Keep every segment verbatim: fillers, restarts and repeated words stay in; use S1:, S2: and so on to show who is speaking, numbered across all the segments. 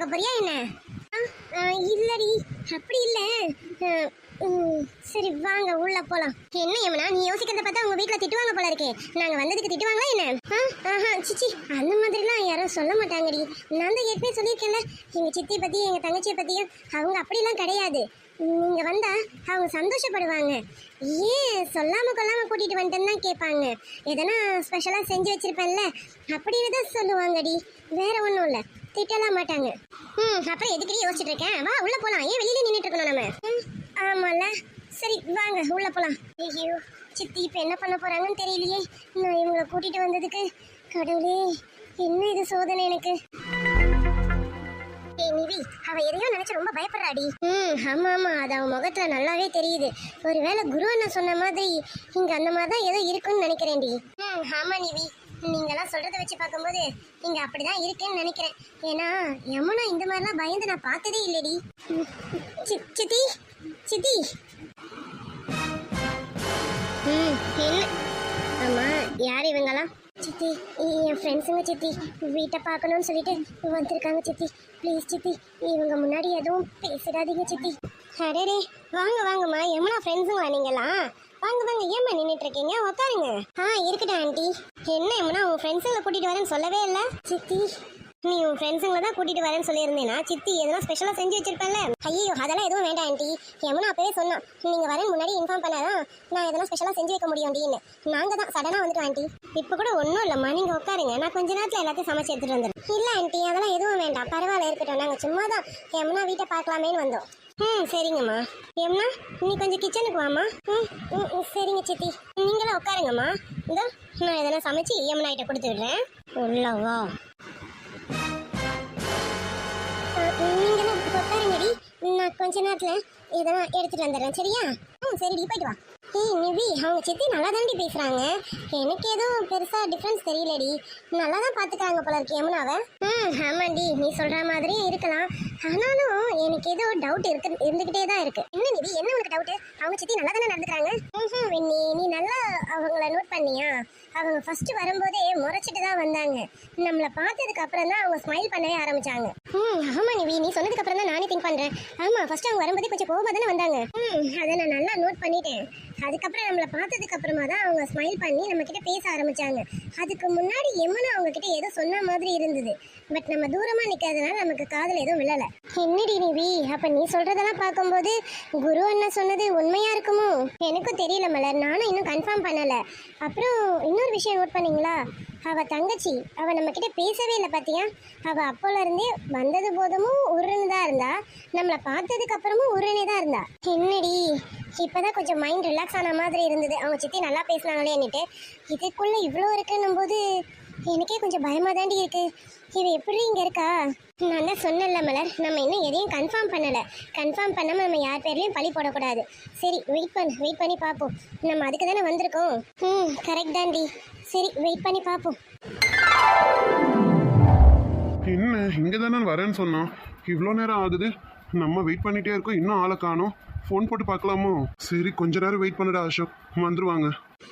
S1: பார்க்க போறியா என்ன? இல்லடி அப்படி இல்ல. சரி வாங்க உள்ள போலாம். என்ன யமுனா நீ யோசிக்கிறத பார்த்தா உங்க வீட்டுல திட்டுவாங்க போல இருக்கே. நாங்க வந்ததுக்கு திட்டுவாங்களா என்ன? சிச்சி அந்த மாதிரிலாம் யாரும் சொல்ல மாட்டாங்கடி. நான் தான் ஏற்கனவே சொல்லியிருக்கேன்ல எங்க சித்தி பத்தி எங்க தங்கச்சியை பத்தியும். அவங்க அப்படிலாம் கிடையாது. நீங்க வந்தா அவங்க சந்தோஷப்படுவாங்க. ஏன் சொல்லாம கொள்ளாம கூட்டிட்டு வந்துட்டேன்னு தான் கேட்பாங்க. எதனா ஸ்பெஷலா செஞ்சு வச்சிருப்பேன்ல அப்படின்னு தான் சொல்லுவாங்கடி. வேற ஒன்றும் இல்லை, திட்டலாம் மாட்டாங்க. ம் அப்புறம் எதுக்கடி யோசிச்சுட்டு இருக்கேன்? வா உள்ள போலாம். ஏன் வெளியில நின்றுட்டு இருக்கணும் நம்ம? ம் ஆமால. சரி வாங்க உள்ள போலாம். ஐயோ சித்தி இப்ப என்ன பண்ண போறாங்கன்னு தெரியலையே. நான் இவங்களை கூட்டிட்டு வந்ததுக்கு கடவுளே என்ன இது சோதனை எனக்கு. ஏய் நிவி, அவ எதையோ நினைச்சு ரொம்ப பயப்படுறாடி. ம் ஆமா ஆமா, அது அவன் முகத்துல நல்லாவே தெரியுது. ஒருவேளை குரு அண்ணா சொன்ன மாதிரி இங்க அந்த மாதிரி தான் ஏதோ இருக்குன்னு நினைக்கிறேன்டி. ம் ஆமா நிவி, நீங்கெல்லாம் சொல்றத வச்சு பார்க்கும்போது இங்க அப்படிதான் இருக்குன்னு நினைக்கிறேன். ஏன்னா யமுனா இந்த மாதிரிலாம் பயந்து நான் பார்த்ததே இல்லடி. சித்தி சித்தி. ம் என்ன? ஆமா யார் இவங்கெல்லாம்? சித்தி என் ஃப்ரெண்ட்ஸுங்க சித்தி. வீட்டை பார்க்கணும்னு சொல்லிட்டு வந்திருக்காங்க சித்தி. ப்ளீஸ் சித்தி இவங்க முன்னாடி எதுவும் பேசிடாதீங்க சித்தி. அடே வாங்க வாங்கம்மா, யமுனா ஃப்ரெண்ட்ஸுங்களா நீங்களாம்? வாங்க வாங்க, ஏம்மா நின்றுட்டு இருக்கீங்க? உட்காருங்க. ஆ இருக்கட்டும் ஆண்டி. என்ன யமுனா உன் ஃப்ரெண்ட்ஸுங்களை கூட்டிட்டு வரேன்னு சொல்லவே இல்லை? சித்தி நீ உன் ஃப்ரெண்ட்ஸுங்களை தான் கூட்டிட்டு வரேன்னு சொல்லியிருந்தேனா? சித்தி எதனா ஸ்பெஷலாக செஞ்சு வச்சிருப்பேன்ல. ஐயோ அதெல்லாம் எதுவும் வேண்டாம் ஆண்டி. யமுனா அப்பவே சொன்னான் நீங்கள் வரேன் முன்னாடி இன்ஃபார்ம் பண்ணாதான் நான் எதனா ஸ்பெஷலாக செஞ்சு வைக்க முடியும் அப்படின்னு. நாங்கள் தான் சடனாக வந்துட்டோம் ஆண்டி. இப்போ கூட ஒன்றும் இல்லைம்மா, நீங்கள் உட்காருங்க. நான் கொஞ்ச நேரத்தில் எல்லாத்தையும் சமைச்சு எடுத்துகிட்டு வந்துடுறேன். இல்லை ஆண்டி அதெல்லாம் எதுவும் வேண்டாம், பரவாயில்ல இருக்கட்டும். நாங்கள் சும்மா தான் யமுனா வீட்டை பார்க்கலாமேன்னு வந்தோம். ம் சரிங்கம்மா. யமுனா நீ கொஞ்சம் கிச்சனுக்கு வாம்மா. ம் ம் சரிங்க சித்தி. நீங்களாம் உட்காருங்கம்மா. இதோ நான் எதனா சமைச்சு யமுனா கிட்ட கொடுத்து விடுறேன். உள்ளவா நீங்களும் உட்காருங்கடி. நான் கொஞ்ச நேரத்தில் எதனா எடுத்துட்டு வந்துடுறேன் சரியா? ம் சரிடி போயிட்டு வா. ஏய் நிவி, அவங்க சித்தி நல்லா தாண்டி பேசுகிறாங்க. எனக்கு எதுவும் பெருசாக டிஃப்ரென்ஸ் தெரியலடி. நல்லா தான் பார்த்துக்கிறாங்க போல இருக்கு யமுனாவை. ம் ஆமாண்டி நீ சொல்கிற மாதிரியே இருக்கலாம். ஆனாலும் எனக்கு ஏதோ டவுட் இருக்கு இருந்துக்கிட்டே தான் இருக்கு. என்ன நிவி என்ன உனக்கு டவுட்டு? அவங்க சித்தி நல்லா தானே நடந்துக்கிறாங்க. ம் வெண்ணி நீ நல்லா அவங்கள நோட் பண்ணியா? அவங்க ஃபர்ஸ்ட் வரும்போதே முறைச்சிட்டு தான் வந்தாங்க. நம்மளை பார்த்ததுக்கு அப்புறம் தான் அவங்க ஸ்மைல் பண்ணவே ஆரம்பிச்சாங்க. ம் ஆமா நிவி நீ சொன்னதுக்கு அப்புறம் தான் நானே திங்க் பண்றேன். ஆமா ஃபர்ஸ்ட் அவங்க வரும்போதே கொஞ்சம் கோவமா தானே வந்தாங்க. ம் அதை நான் நல்லா நோட் பண்ணிட்டேன். அதுக்கப்புறம் நம்மளை பார்த்ததுக்கு அப்புறமா தான் அவங்க ஸ்மைல் பண்ணி நம்ம கிட்ட பேச ஆரம்பிச்சாங்க. அதுக்கு முன்னாடி யமுனா அவங்க கிட்ட ஏதோ சொன்ன மாதிரி இருந்தது. பட் நம்ம தூரமா நிக்கிறதுனால நமக்கு காதுல எதுவும் விழல. என்னடி நிவி அப்ப நீ சொல்றதெல்லாம் பார்க்கும்போது குரு அண்ணா சொன்னது உண்மையா இருக்குமோ? எனக்கும் தெரியல மலர், நானும் இன்னும் கன்ஃபார்ம் பண்ணல. அப்புறம் இன்னொரு விஷயம் நோட் பண்ணீங்களா? அவ தங்கச்சி அவ நம்ம கிட்ட பேசவே இல்லை பாத்தியா? அவ அப்போல இருந்தே வந்தது போதுமும் உருன்னு தான் இருந்தா, நம்மளை பார்த்ததுக்கு அப்புறமும் உருனே தான் இருந்தா. என்னடி இப்பதான் கொஞ்சம் மைண்ட் ரிலாக்ஸ் ஆன மாதிரி இருந்தது. அவங்க சித்தி நல்லா பேசினாங்களேன்னுட்டு. இதுக்குள்ள இவ்வளோ இருக்குன்னும் போது எனக்கே கொஞ்சம் பயமா தாண்டி இருக்கு. இவ எப்படி இங்க இருக்கா? நான் தான் சொன்னல மலர், நம்ம இன்னும் எதையும் கன்ஃபார்ம் பண்ணல. கன்ஃபார்ம் பண்ணாம நம்ம யார் பேர்லயும் பழி போடக்கூடாது. சரி வெயிட் பண்ணு, வெயிட் பண்ணி பார்ப்போம். நம்ம அதுக்கு தானே வந்திருக்கோம். ம் கரெக்ட் தாண்டி. சரி வெயிட் பண்ணி பார்ப்போம்.
S2: என்ன இங்க தானே வரேன்னு சொன்னோம், இவ்வளோ நேரம் ஆகுது. நம்ம வெயிட் பண்ணிட்டே இருக்கோம், இன்னும் ஆளை காணோம். ஃபோன் போட்டு பார்க்கலாமோ? சரி கொஞ்ச நேரம் வெயிட் பண்ணுடா அசோக், வந்துருவாங்க.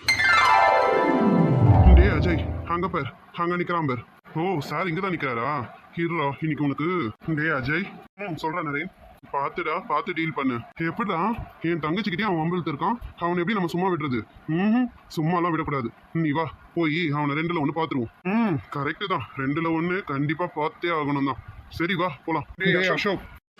S2: டே அஜய் அங்க பேர் அங்க நிக்கிறான் பேர். ஓ சார் இங்க தான் நிக்கிறாரா? ஹீரோ இன்னைக்கு உனக்கு. டே அஜய் ம் சொல்றேன் நரேன், பார்த்துடா பார்த்து டீல் பண்ணு. எப்படிடா என் தங்கச்சிக்கிட்டே அவன் வம்பிழுத்து இருக்கான், அவனை எப்படி நம்ம சும்மா விடுறது? ம் சும்மாலாம் விடக்கூடாது. நீ வா போய் அவனை ரெண்டுல ஒன்று பார்த்துருவோம். ம் கரெக்டு தான், ரெண்டுல ஒன்று கண்டிப்பா பார்த்தே ஆகணும் தான். சரி வா போலாம். டே அசோக்.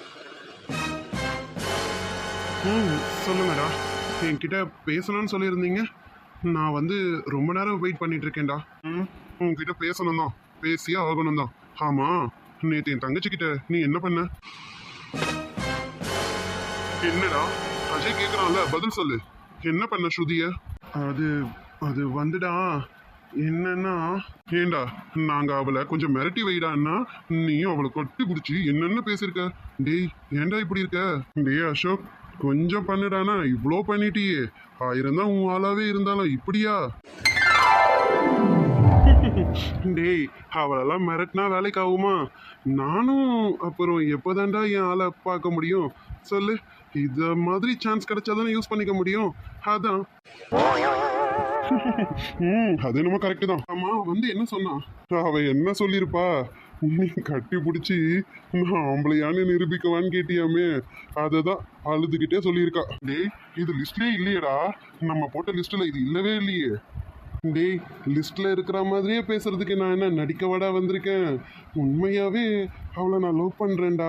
S2: ம் சொல்லுங்கடா, என்கிட்ட பேசணும்னு சொல்லியிருந்தீங்க. நான் வந்து ரொம்ப நேரம் வெயிட் பண்ணிட்டு இருக்கேன்டா. ம் உங்ககிட்ட பேசணும் தான், பேசியே ஆகணும் தான். ஆமா நேற்று என் தங்கச்சிக்கிட்ட நீ என்ன பண்ண? என்னடா அஜய் கேட்குறான்ல, பதில் சொல்லு. என்ன பண்ண ஸ்ருதிய? அது அது வந்துடா என்னன்னா, ஏண்டா நாங்க அவளை கொஞ்சம் மிரட்டி வைடான்னா நீயும் அவளை கொட்டி பிடிச்சி என்னென்ன பேசியிருக்க. டேய் ஏண்டா இப்படி இருக்க? டேய் அசோக் கொஞ்சம் பண்ணுடானா, இவ்வளோ பண்ணிட்டியே. ஆயிரம் தான் உன் ஆளாவே இருந்தாலும் இப்படியா? டேய் அவளெல்லாம் மிரட்டினா வேலைக்கு ஆகுமா? நானும் அப்புறம் எப்போதாண்டா என் ஆளை பார்க்க முடியும் சொல்லு? இத மாதிரி சான்ஸ் கிடைச்சாதானே யூஸ் பண்ணிக்க முடியும். அதான் ம் அது என்னமோ கரெக்டு தான். ஆமா வந்து என்ன சொன்னா? அவ என்ன சொல்லியிருப்பா? நீ கட்டி பிடிச்சி நான் ஆம்பளையான்னு நிரூபிக்கவான்னு கேட்டியாமே அதை தான் அழுதுகிட்டே சொல்லியிருக்கா. டேய் இது லிஸ்ட்லயே இல்லையேடா, நம்ம போட்ட லிஸ்ட்ல இது இல்லவே இல்லையே. டேய் லிஸ்ட்ல இருக்கிற மாதிரியே பேசுறதுக்கு நான் என்ன நடிக்கவாடா வந்திருக்கேன், உண்மையாவே அவளை நான் லவ் பண்றேன்டா.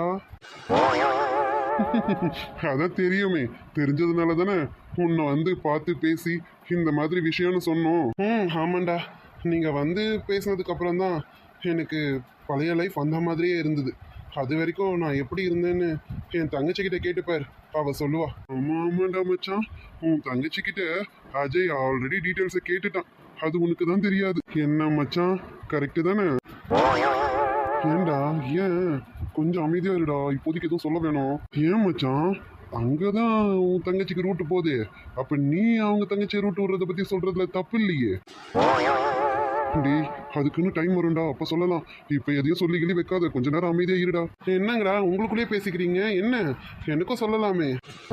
S2: அதான் தெரியுமே, தெரிஞ்சதுனால தானே உன்னை வந்து பார்த்து பேசி இந்த மாதிரி விஷயம்னு சொன்னோம். ம் ஆமாண்டா, நீங்க வந்து பேசினதுக்கு அப்புறம் தான் எனக்கு பழைய லைஃப் அந்த மாதிரியே இருந்தது. அது வரைக்கும் நான் எப்படி இருந்தேன்னு என் தங்கச்சிக்கிட்ட கேட்டுப்பார், அவ சொல்லுவா. ஆமா ஆமாண்டா மச்சான், உன் தங்கச்சிக்கிட்ட அஜய் ஆல்ரெடி டீட்டெயில்ஸை கேட்டுட்டான், அது உனக்கு தான் தெரியாது. என்ன மச்சான் கரெக்டு தானே? ஏண்டா ஏன் கொஞ்சம் அமைதியா இருடா, இப்போதைக்கு எதுவும் சொல்ல வேணும். ஏன் மச்சான் அங்கதான் உன் தங்கச்சிக்கு ரூட்டு போகுது, அப்ப நீ அவங்க தங்கச்சி ரூட் விடுறத பத்தி சொல்றதுல தப்பு இல்லையே. டேய் அதுக்குன்னு டைம் வரும்டா, அப்ப சொல்லலாம். இப்ப எதையும் சொல்லி கிளி வைக்காத, கொஞ்ச நேரம் அமைதியா இருடா. என்னங்கடா உங்களுக்குள்ளேயே பேசிக்கிறீங்க, என்ன எனக்கும் சொல்லலாமே.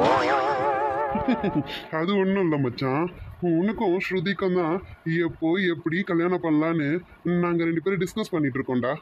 S2: அது ஒன்றும் இல்லை மச்சான், உனக்கும் ஸ்ருதிக்கும் தான் எப்போ எப்படி கல்யாணம் பண்ணலான்னு நாங்கள் ரெண்டு பேரும் டிஸ்கஸ் பண்ணிட்டு இருக்கோம்டா.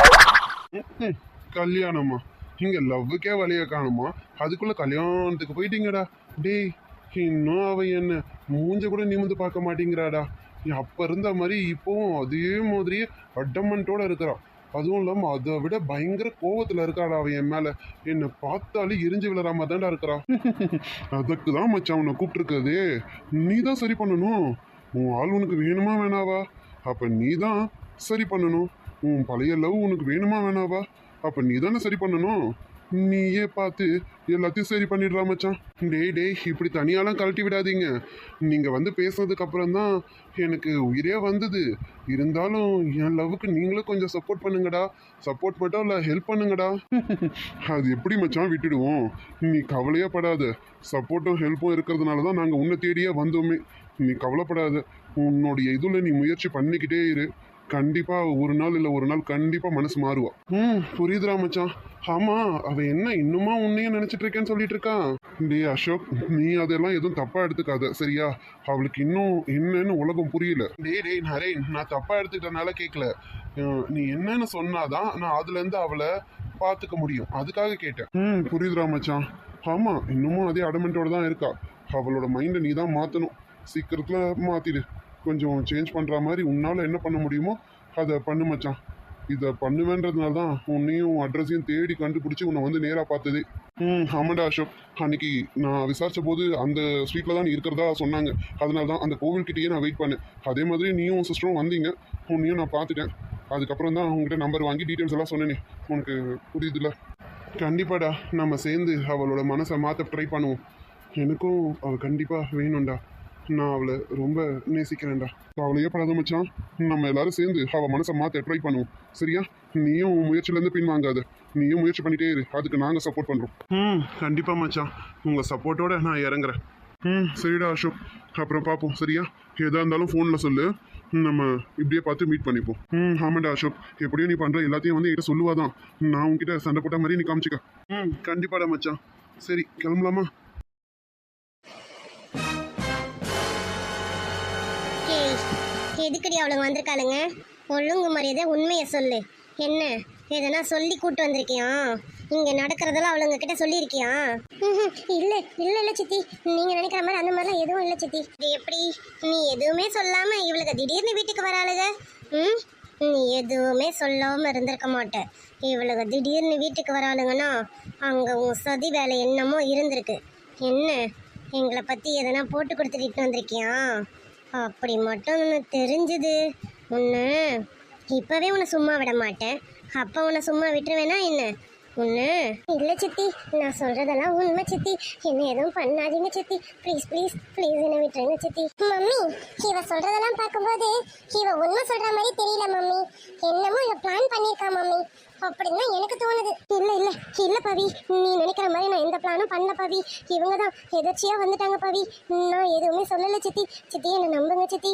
S2: கல்யாணமா? இங்கே லவ்வுக்கே வழிய காணுமா, அதுக்குள்ளே கல்யாணத்துக்கு போயிட்டீங்கடா. டேய் இன்னும் அவ என்ன மூஞ்ச கூட நிமிந்து பார்க்க மாட்டேங்கிறாடா. அப்போ இருந்த மாதிரி இப்போவும் அதே மாதிரியே அடமண்ட்டோட இருக்கிறான். அதுவும் இல்லாமல் அதை விட பயங்கர கோவத்தில் இருக்காடா அவன் என் மேலே. என்னை பார்த்தாலே எரிஞ்சு விழுறாம தான்டா இருக்கிறான். அதுக்கு தான் மச்சான் உன்னை கூப்பிட்டுருக்காது, நீ தான் சரி பண்ணணும். உன் ஆள் உனக்கு வேணுமா வேணாவா, அப்போ நீ தான் சரி பண்ணணும். உன் பழைய லவ் உனக்கு வேணுமா வேணாவா, அப்போ நீ தானே சரி பண்ணணும். நீயே பார்த்து எல்லாத்தையும் சரி பண்ணிடுறா மச்சான். டேய் டேய் இப்படி தனியாலாம் கழட்டி விடாதீங்க. நீங்கள் வந்து பேசுனதுக்கு அப்புறம் தான் எனக்கு உயிரே வந்தது. இருந்தாலும் என் லவ்வுக்கு நீங்களும் கொஞ்சம் சப்போர்ட் பண்ணுங்கடா. சப்போர்ட் மட்டும் இல்லை ஹெல்ப் பண்ணுங்கடா. அது எப்படி மச்சான் விட்டுடுவோம், நீ கவலையே படாத. சப்போர்ட்டும் ஹெல்ப்பும் இருக்கிறதுனால தான் நாங்கள் உன்னை தேடியே வந்தோமே. நீ கவலைப்படாத, உன்னுடைய இதில் நீ முயற்சி பண்ணிக்கிட்டே இரு. கண்டிப்பா ஒரு நாள் இல்லை ஒரு நாள் கண்டிப்பா மனசு மாறுவா. ம் புரியுதுடா மச்சான். ஆமா அவ என்ன இன்னுமா உன்னையே நினைச்சிட்டு இருக்கேன்னு சொல்லிட்டு இருக்கான். டே அசோக் நீ அதெல்லாம் எதுவும் தப்பா எடுத்துக்காத சரியா, அவளுக்கு இன்னும் என்னன்னு உலகம் புரியல. டே டேய் நரேன், நான் தப்பா எடுத்துக்கிட்டனால கேட்கல, நீ என்னன்னு சொன்னாதான் நான் அதுல இருந்து அவளை பார்த்துக்க முடியும், அதுக்காக கேட்டேன். ம் புரியுதுடா மச்சான். ஆமா இன்னமும் அதே அடமெண்டோட தான் இருக்கா. அவளோட மைண்டை நீ தான் மாத்தணும், சீக்கிரத்துல மாத்திடு. கொஞ்சம் சேஞ்ச் பண்ணுற மாதிரி உன்னால் என்ன பண்ண முடியுமோ அதை பண்ணு மச்சான். இதை பண்ணுவேன்றதுனால தான் உன்னையும் அட்ரஸையும் தேடி கண்டுபிடிச்சி உன்னை வந்து நேராக பார்த்தது. ம் ஆமாண்டா அசோக், அன்னைக்கு நான் விசாரித்த போது அந்த ஸ்ட்ரீட்டில் தான் நீ இருக்கிறதா சொன்னாங்க, அதனால தான் அந்த கோவில்கிட்டயே நான் வெயிட் பண்ணேன். அதே மாதிரி நீயும் சிஸ்டரும் வந்தீங்க, உன்னையும் நான் பார்த்துட்டேன். அதுக்கப்புறம் தான் உங்ககிட்ட நம்பர் வாங்கி டீட்டெயில்ஸ் எல்லாம் சொன்னேனே, உனக்கு புரியுதுல்ல? கண்டிப்பாடா, நம்ம சேர்ந்து அவளோட மனசை மாற்ற ட்ரை பண்ணுவோம். எனக்கும் அவள் கண்டிப்பாக வேணும்டா, நான் அவளை ரொம்ப நேசிக்கிறேன்டா. அவளையே படாத மச்சான், நம்ம எல்லாரும் சேர்ந்து அவள் மனசை மாற்ற ட்ரை பண்ணுவோம் சரியா. நீயும் முயற்சியிலேருந்து பின் வாங்காத, நீயும் முயற்சி பண்ணிட்டே இரு, அதுக்கு நாங்கள் சப்போர்ட் பண்ணுறோம். ம் கண்டிப்பாக மச்சான், உங்கள் சப்போர்ட்டோட நான் இறங்குறேன். ம் சரிடா அசோக், அப்புறம் பார்ப்போம் சரியா. எதாக இருந்தாலும் ஃபோனில் சொல்லு, நம்ம இப்படியே பார்த்து மீட் பண்ணிப்போம். ம் ஆமாண்டா அசோக், எப்படியும் நீ பண்ணுற எல்லாத்தையும் வந்து என்கிட்ட சொல்லுவாதான், நான் உங்ககிட்ட சண்டை போட்ட மாதிரி நீ காமிச்சிக்க. ம் கண்டிப்பாடா மச்சான். சரி கிளம்பலாமா?
S1: எதுக்கடி அவளுங்க வந்திருக்காளுங்க? ஒழுங்கு மரியாதை உண்மையை சொல்லு. என்ன எதனா சொல்லி கூட்டு வந்திருக்கியா? இங்க நடக்கிறதெல்லாம் அவளுங்க கிட்ட சொல்லியிருக்கியா? இல்ல இல்ல இல்ல சித்தி, நீங்க நினைக்கிற மாதிரி அந்த மாதிரிலாம் எதுவும் இல்லை சித்தி. இது எப்படி நீ எதுவுமே சொல்லாம இவளுக்கு திடீர்னு வீட்டுக்கு வராளுங்க? ம் நீ எதுவுமே சொல்லாம இருந்திருக்க மாட்ட. இவளுக்கு திடீர்னு வீட்டுக்கு வராளுங்கன்னா அங்க உன் சதி வேலை என்னமோ இருந்திருக்கு. என்ன எங்களை பத்தி எதனா போட்டு கொடுத்துட்டு வந்திருக்கியா? அப்படி மட்டும் உனக்கு தெரிஞ்சது உன்னை இப்பவே உன்னை சும்மா விட மாட்டேன். அப்போ உன்னை சும்மா விட்டுருவேனா என்ன உன்னை? இல்லை சித்தி, நான் சொல்றதெல்லாம் உண்மை சித்தி, என்ன எதுவும் பண்ணாதீங்க சித்தி, ப்ளீஸ் ப்ளீஸ் ப்ளீஸ் என்ன விட்டுருங்க சித்தி. மம்மி இவ சொல்றதெல்லாம் பார்க்கும்போது இவ உண்மை சொல்ற மாதிரி தெரியல மம்மி, என்னமோ இவ பிளான் பண்ணியிருக்கா மம்மி அப்படின்னு எனக்கு தோணுது. இல்ல இல்ல இல்ல பவி, நீ நினைக்கிற மாதிரி நான் எந்த பிளானும் பண்ணல பவி, இவங்க தான் எதர்ச்சியா வந்துட்டாங்க பவி, நான் எதுவுமே சொல்லல சித்தி. சித்தி என்ன நம்புங்க சித்தி.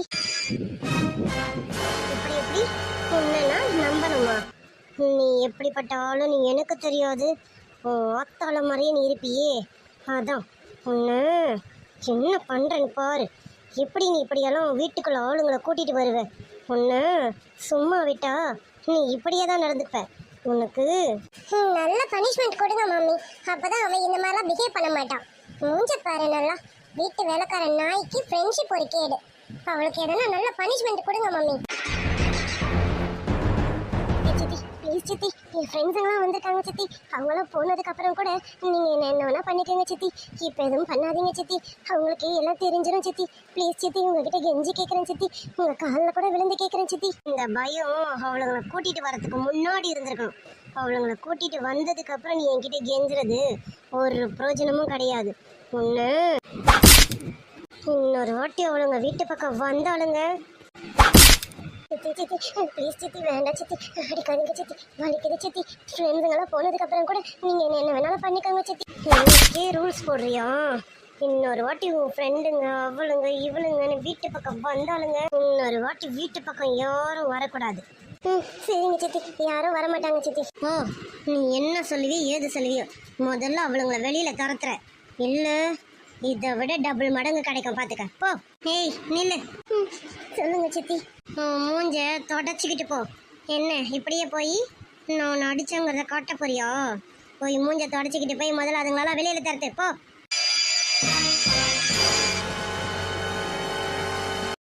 S1: இப்படி எப்படி உன்னை நம்பணுமா? நீ எப்படிப்பட்ட ஆளும் நீ எனக்கு தெரியாது, ஆத்தாள மாதிரியே நீ இருப்பியே, அதான் உன்னை என்ன பண்றேன்னு பாரு. எப்படி நீ இப்படியெல்லாம் வீட்டுக்குள்ள ஆளுங்களை கூட்டிட்டு வருவ? உன்னை சும்மா விட்டா நீ இப்படியே தான் நடந்துப்ப. உனக்கு ம், நல்ல பனிஷ்மெண்ட் கொடுங்க மம்மி. அப்பதான் அவன் இந்த மாதிரிலாம் பிஹேவ் பண்ண மாட்டான். மூஞ்ச பாரு நல்லா. வீட்டு வேலைக்கார நாய்க்கு ஃப்ரெண்ட்ஷிப் ஒரு கேடு. அவளுக்கு எதனா நல்ல பனிஷ்மெண்ட் கொடுங்க மம்மி. ஏய் சித்தி ப்ளீஸ் சித்தி, என் ஃப்ரெண்ட்ஸுங்களாம் வந்திருக்காங்க சித்தி. அவங்களாம் போனதுக்கு அப்புறம் கூட நீங்கள் என்ன என்ன வேணா பண்ணிக்கோங்க சித்தி. இப்போ எதுவும் பண்ணாதீங்க சித்தி. அவங்களுக்கு எல்லாம் தெரிஞ்சிடும் சித்தி. ப்ளீஸ் சித்தி, உங்ககிட்ட கெஞ்சி கேட்குறேன் சித்தி. உங்கள் காலில் கூட விழுந்து கேட்குறேன் சித்தி. இந்த பயம் அவளுங்களை கூட்டிகிட்டு வரதுக்கு முன்னாடி இருந்திருக்கணும். அவளுங்களை கூட்டிகிட்டு வந்ததுக்கு அப்புறம் நீ என்கிட்ட கெஞ்சுறது ஒரு பிரயோஜனமும் கிடையாது. ஒன்று இன்னொரு வாட்டி அவளுங்க வீட்டு பக்கம் வந்தாளுங்க. சித்தி சித்தி ப்ளீஸ் சித்தி, வேண்டாம் சித்தி, அடிக்காதீங்க சித்தி, வலிக்குது சித்தி. ஃப்ரெண்ட்ஸுங்கெல்லாம் போனதுக்கு அப்புறம் கூட நீங்கள் என்ன என்ன வேணாலும் பண்ணிக்கோங்க சித்தி. எனக்கே ரூல்ஸ் போடுறியா? இன்னொரு வாட்டி உன் ஃப்ரெண்டுங்க அவளுங்க இவளுங்கன்னு வீட்டு பக்கம் வந்தாளுங்க. இன்னொரு வாட்டி வீட்டு பக்கம் யாரும் வரக்கூடாது. ம் சரிங்க சித்தி, யாரும் வரமாட்டாங்க சித்தி. ஓ, நீ என்ன சொல்லுவியோ ஏது சொல்லுவியோ, முதல்ல அவளுங்களை வெளியில் துரத்துற. இல்லை இதை விட டபுள் மடங்கு கிடைக்கும், பார்த்துக்க போ. ஏய் நில்லு. ம் சொல்லுங்க சித்தி. மூஞ்ச தொடச்சிக்கிட்டு போ. என்ன இப்படியே போய் நான் அடிச்சங்கிறத காட்ட போறியா? போய் மூஞ்ச தொடச்சிக்கிட்டு போய் முதல்ல அதுங்களெல்லாம் வெளியில் தரத்து போ.